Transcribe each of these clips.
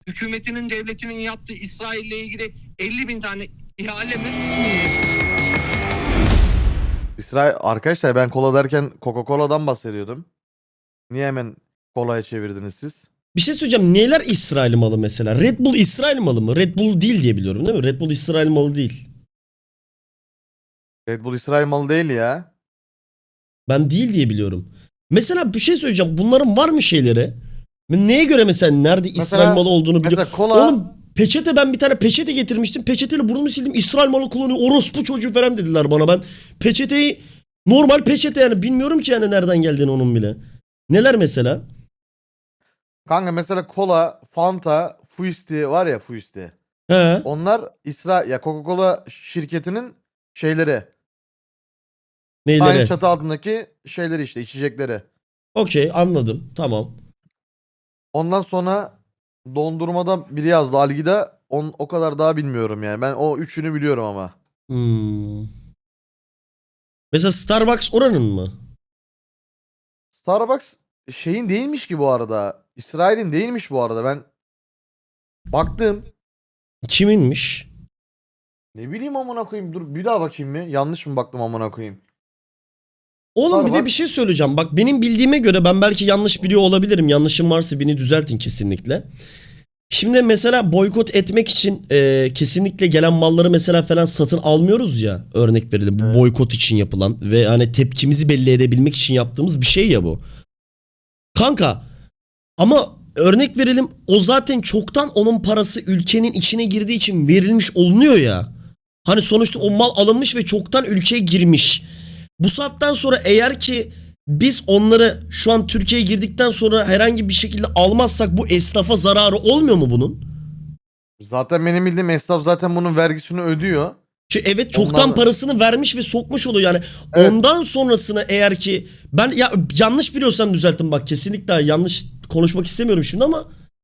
hükümetinin, devletinin yaptığı İsrail'le ilgili 50.000 tane ihale mi? İsrail arkadaşlar, ben kola derken Coca-Cola'dan bahsediyordum. Niye hemen kolaya çevirdiniz siz? Bir şey söyleyeceğim. Neler İsrail malı mesela? Red Bull İsrail malı mı? Red Bull değil diye biliyorum değil mi? Red Bull İsrail malı değil. Red Bull İsrail malı değil ya. Ben değil diye biliyorum. Mesela bir şey söyleyeceğim. Bunların var mı şeyleri? Neye göre mesela nerede İsrail malı olduğunu biliyorum. Mesela kola... Oğlum peçete, ben bir tane peçete getirmiştim. Peçeteyle burnumu sildim. İsrail malı kullanıyor. Orospu çocuğu falan dediler bana. Ben peçeteyi, normal peçete yani, bilmiyorum ki yani nereden geldiğini onun bile. Neler mesela? Kanka mesela kola, Fanta, Fuisti var ya, Fuisti. He. Onlar ya Coca-Cola şirketinin şeyleri. Aynı Neyleri? çatı altındaki şeyleri işte, içecekleri. Okey, anladım. Tamam. Ondan sonra dondurmada biri yazdı Algida. O kadar daha bilmiyorum yani. Ben o üçünü biliyorum ama. Hmm. Mesela Starbucks oranın mı? Starbucks şeyin değilmiş ki bu arada. İsrail'in değilmiş bu arada. Ben baktım. Kiminmiş? Ne bileyim amına koyayım. Dur bir daha bakayım mı? Yanlış mı baktım amına koyayım? Oğlum bir de Starbucks- bir şey söyleyeceğim. Bak benim bildiğime göre, ben belki yanlış biliyor olabilirim. Yanlışım varsa beni düzeltin kesinlikle. Şimdi mesela boykot etmek için kesinlikle gelen malları mesela falan satın almıyoruz ya. Örnek verelim. Bu Evet. boykot için yapılan ve hani tepkimizi belli edebilmek için yaptığımız bir şey ya bu. Kanka ama örnek verelim, o zaten çoktan onun parası ülkenin içine girdiği için verilmiş olunuyor ya. Hani sonuçta o mal alınmış ve çoktan ülkeye girmiş. Bu saatten sonra eğer ki biz onları şu an Türkiye'ye girdikten sonra herhangi bir şekilde almazsak bu esnafa zararı olmuyor mu bunun? Zaten benim bildiğim esnaf zaten bunun vergisini ödüyor. Çünkü evet, çoktan Onlar- parasını vermiş ve sokmuş oluyor yani. Evet. Ondan sonrasını eğer ki ben ya yanlış biliyorsam düzeltin, bak kesinlikle yanlış konuşmak istemiyorum şimdi ama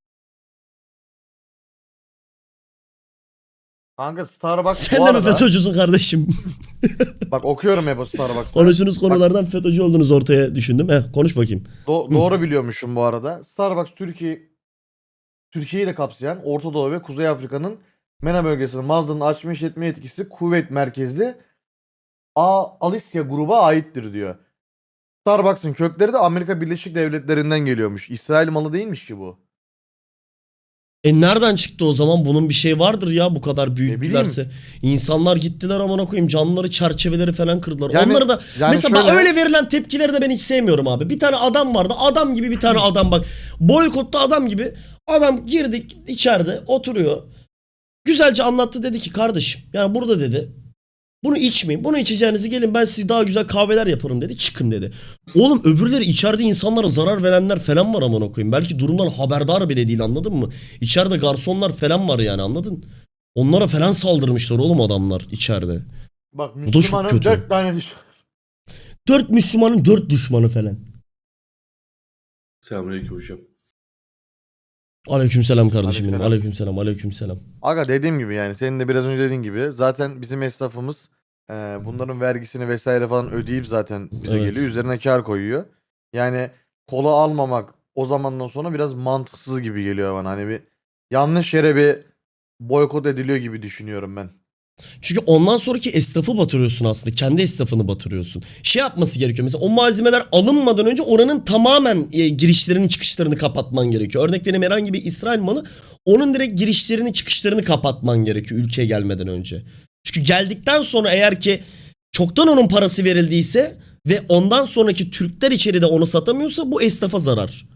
Kanka Starbucks sen bu de mi arada... FETÖ'cüsün kardeşim? Bak okuyorum hep o Starbucks'ta. Konuştuğunuz konulardan FETÖ'cü olduğunuz ortaya düşündüm. Konuş bakayım. Doğru biliyormuşum bu arada. Starbucks Türkiye'yi de kapsayan Orta Doğu ve Kuzey Afrika'nın MENA bölgesinin mağazalarını açma işletme yetkisi kuvvet merkezli Alicia gruba aittir diyor. Starbucks'ın kökleri de Amerika Birleşik Devletleri'nden geliyormuş. İsrail malı değilmiş ki bu. Nereden çıktı o zaman? Bunun bir şey vardır ya, bu kadar bileyim. büyüttülerse. İnsanlar gittiler amına koyayım, camları, çerçeveleri falan kırdılar. Yani- Onları da yani mesela şöyle- öyle verilen tepkileri de ben hiç sevmiyorum abi. Bir tane adam vardı. Adam gibi bir tane adam, bak. Boykotta adam gibi. Adam girdik içeride oturuyor. Güzelce anlattı, dedi ki kardeşim yani burada dedi, bunu içmeyin. Bunu içeceğinizi gelin ben size daha güzel kahveler yaparım dedi. Çıkın dedi. Oğlum öbürleri, içeride insanlara zarar verenler falan var amına koyayım. Belki durumdan haberdar bile değil, anladın mı? İçeride garsonlar falan var yani, anladın? Onlara falan saldırmışlar oğlum adamlar içeride. Bak çok Müslümanın kötü. 4 tane düşmanı. 4 Müslümanın 4 düşmanı falan. Selamünaleyküm hocam. Aleykümselam kardeşim benim. Aleykümselam. Aleykümselam. Aleykümselam. Aga dediğim gibi yani senin de biraz önce dediğin gibi zaten bizim esnafımız bunların vergisini vesaire falan ödeyip zaten bize Evet. geliyor. Üzerine kar koyuyor. Yani kola almamak o zamandan sonra biraz mantıksız gibi geliyor bana. Hani bir yanlış yere bir boykot ediliyor gibi düşünüyorum ben. Çünkü ondan sonraki esnafı batırıyorsun aslında. Kendi esnafını batırıyorsun. Şey yapması gerekiyor. Mesela o malzemeler alınmadan önce oranın tamamen girişlerini çıkışlarını kapatman gerekiyor. Örnek vereyim, herhangi bir İsrail malı, onun direkt girişlerini çıkışlarını kapatman gerekiyor ülkeye gelmeden önce. Çünkü geldikten sonra eğer ki çoktan onun parası verildiyse ve ondan sonraki Türkler içeride onu satamıyorsa bu esnafa zarar.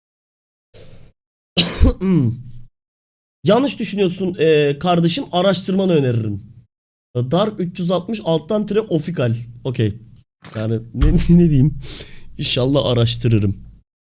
Yanlış düşünüyorsun kardeşim, araştırmanı öneririm. Dark 360 alttan tire ofikal. Okey. Yani ne diyeyim? İnşallah araştırırım.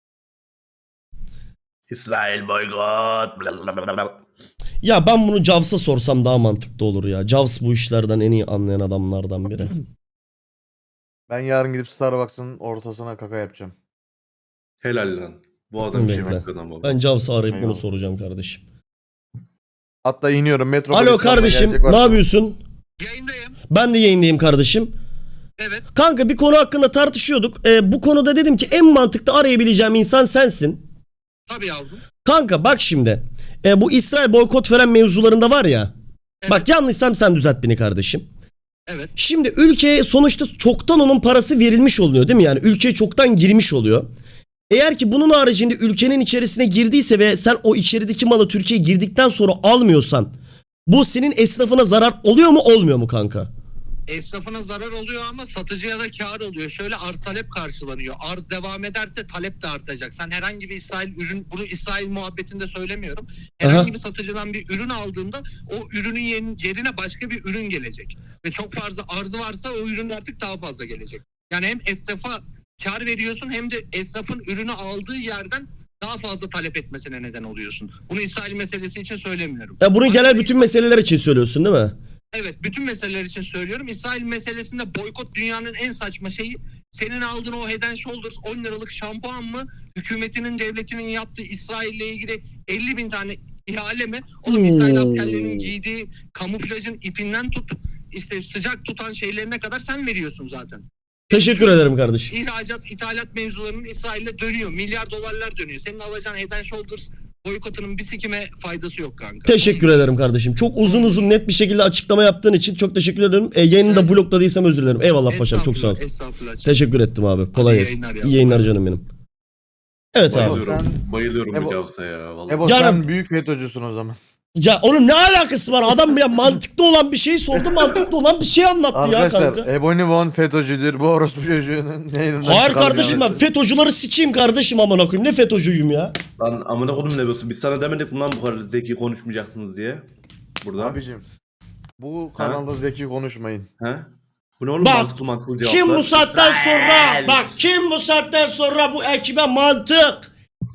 İsrail boykot. Blablabla. Ya ben bunu Javs'a sorsam daha mantıklı olur ya. Javs bu işlerden en iyi anlayan adamlardan biri. Ben yarın gidip Starbucks'ın ortasına kaka yapacağım. Helal lan. Bu adam işin Bekle. hakkından baba. Ben Javs'ı arayıp bunu Eyvallah. soracağım kardeşim. Hatta iniyorum metro. Alo kardeşim, ne yapıyorsun? Yayındayım. Ben de yayındayım kardeşim. Evet. Kanka bir konu hakkında tartışıyorduk. Bu konuda dedim ki en mantıklı arayabileceğim insan sensin. Tabii yavrum. Kanka bak şimdi. bu İsrail boykot falan mevzularında var ya. Evet. Bak yanlışsam sen düzelt beni kardeşim. Evet. Şimdi ülkeye sonuçta çoktan onun parası verilmiş oluyor değil mi? Yani ülkeye çoktan girmiş oluyor. Eğer ki bunun haricinde ülkenin içerisine girdiyse ve sen o içerideki malı Türkiye'ye girdikten sonra almıyorsan bu senin esnafına zarar oluyor mu olmuyor mu kanka? Esnafına zarar oluyor ama satıcıya da kar oluyor. Şöyle arz talep karşılanıyor. Arz devam ederse talep de artacak. Sen herhangi bir İsrail ürün, bunu İsrail muhabbetinde söylemiyorum. Herhangi bir satıcıdan bir ürün aldığında o ürünün yerine başka bir ürün gelecek. Ve çok fazla arzı varsa o ürün artık daha fazla gelecek. Yani hem esnafa kar veriyorsun hem de esnafın ürünü aldığı yerden daha fazla talep etmesine neden oluyorsun. Bunu İsrail meselesi için söylemiyorum. Ya bunu genel Aslında bütün meseleler için söylüyorsun değil mi? Evet, bütün meseleler için söylüyorum. İsrail meselesinde boykot dünyanın en saçma şeyi. Senin aldığın o Head and Shoulders 10 liralık şampuan mı? Hükümetinin, devletinin yaptığı İsrail'le ilgili 50 bin tane ihale mi? Oğlum İsrail askerlerinin giydiği kamuflajın ipinden tut, işte sıcak tutan şeylerine kadar sen veriyorsun zaten. Teşekkür ederim kardeşim. İhracat, ithalat mevzularının İsrail'de dönüyor. Milyar dolarlar dönüyor. Senin alacağın Head and Shoulders boykotunun bir sikime faydası yok kanka. Teşekkür ederim kardeşim. Çok uzun net bir şekilde açıklama yaptığın için çok teşekkür ederim. Yayını da blokladıysam özür dilerim. Eyvallah paşam, çok sağ ol. Estağfurullah. Teşekkür ettim abi. Kolay İyi gelsin. yayınlar ya. İyi yayınlar canım benim. Evet abi. Bayılıyorum. Sen- Bayılıyorum Ebo- bu Gavs'a ya. Vallahi. Ebo Yarın- sen büyük FETÖ'cüsün o zaman. Ya onun ne alakası var? Adam ya mantıklı olan bir şeyi sordu, mantıklı olan bir şey anlattı ya Arkadaşlar kanka. Ebony Von FETÖ'cüdür. Bu orospu çocuğunun yayınından Hayır çıkarken- kardeşim ben FETÖ'cüleri sikeyim kardeşim amına koyayım. Ne FETÖ'cüyüm ya? Lan amına kodum ne diyorsun? Biz sana demedik mi lan bu kadar zeki konuşmayacaksınız diye. Burada. Abicim bu kanalda zeki konuşmayın. He? Bu ne oğlum Bak, mantıklı cevaplar. Kim bu saatten sonra kim bu saatten sonra bu ekibe mantık,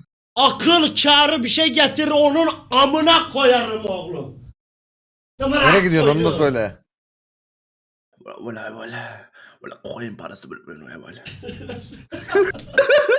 akıl, kârı bir şey getirir onun amına koyarım oğlum. Nereye gidiyorsun onu da söyle. Valla koyun parası böyle.